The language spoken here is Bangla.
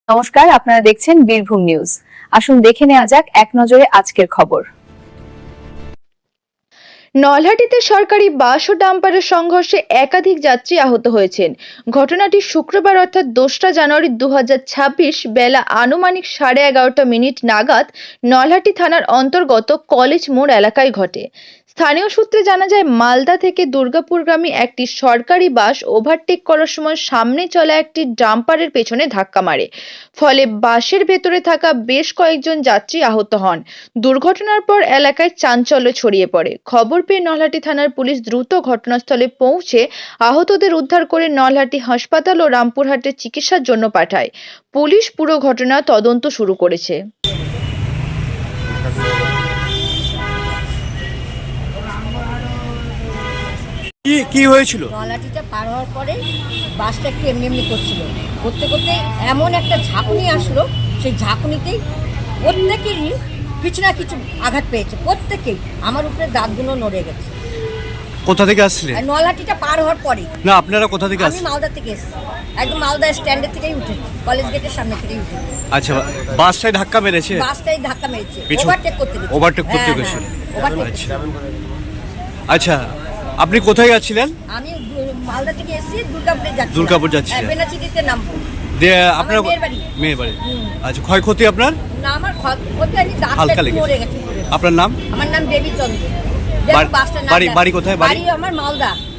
নমস্কার, আপনারা দেখছেন বীরভূম নিউজ। আসুন দেখে নেওয়া যাক এক নজরে আজকের খবর। নলহাটিতে সরকারি বাস ও ডাম্পারের সংঘর্ষে একাধিক যাত্রী আহত হয়েছেন। ঘটনাটি শুক্রবার অর্থাৎ 2রা জানুয়ারি 2026 বেলা আনুমানিক 11:30 নাগাদ নলহাটি থানার অন্তর্গত কলেজ মোড় এলাকায় ঘটে। স্থানীয় সূত্রে জানা যায়, মালদা থেকে দুর্গাপুরগামী একটি সরকারি বাস ওভারটেক করার সময় সামনে চলা একটি ডাম্পারের পেছনে ধাক্কা মারে। ফলে বাসের ভেতরে থাকা বেশ কয়েকজন যাত্রী আহত হন। দুর্ঘটনার পর এলাকায় চাঞ্চল্য ছড়িয়ে পড়ে। খবর পেয়ে নলহাটি থানার পুলিশ দ্রুত ঘটনাস্থলে পৌঁছে আহতদের উদ্ধার করে নলহাটি হাসপাতাল ও রামপুরহাটের চিকিৎসার জন্য পাঠায়। পুলিশ পুরো ঘটনা তদন্ত শুরু করেছে। কি হয়েছিল? নলাটিটা পার হওয়ার পরে বাসটা একটু এমনি এমনি করছিল, করতে করতে এমন একটা ঝাঁকুনি আসলো, সেই ঝাঁকুনিতেই প্রত্যেকেরই কিছু না কিছু আঘাত পেয়েছে। প্রত্যেকেই আমার উপরে দাঁতগুলো নড়ে গেছে। কোথা থেকে আসছিলেন? আর নলাটিটা পার হওয়ার পরে না, আপনারা কোথা থেকে আমি আসছেন? মালদা থেকে এসেছি, একদম মালদা স্ট্যান্ডের থেকেই উঠেছি, কলেজ গেটের সামনে থেকেই উঠেছি। আচ্ছা, বাসটাই ধাক্কা মেরেছে? বাসটাই ধাক্কা মেরেছে, পিছু- ওভারটেক করতে গেছে। ওভারটেক করতে হ্যাঁ, গেছিল। ওভারটেক। আচ্ছা আচ্ছা, আপনি কোথায় যাচ্ছিলেন? আমি মালদা থেকে এসেছি, দুর্গাপুরে যাচ্ছি। দুর্গাপুর যাচ্ছিলেন? বেনাচিটিতে নামবো। দিয়ে আপনার মেয়ের বাড়ি। মেয়ের বাড়ি। আচ্ছা, ক্ষয়ক্ষতি আপনার? না, আমার ক্ষতি হয়নি, দাঁতটা হালকা একটু নড়ে লেগেছে। গেছে। আপনার নাম? আমার নাম দেবী চন্দ্র। বাড়ি কোথায়? বাড়ি আমার মালদা।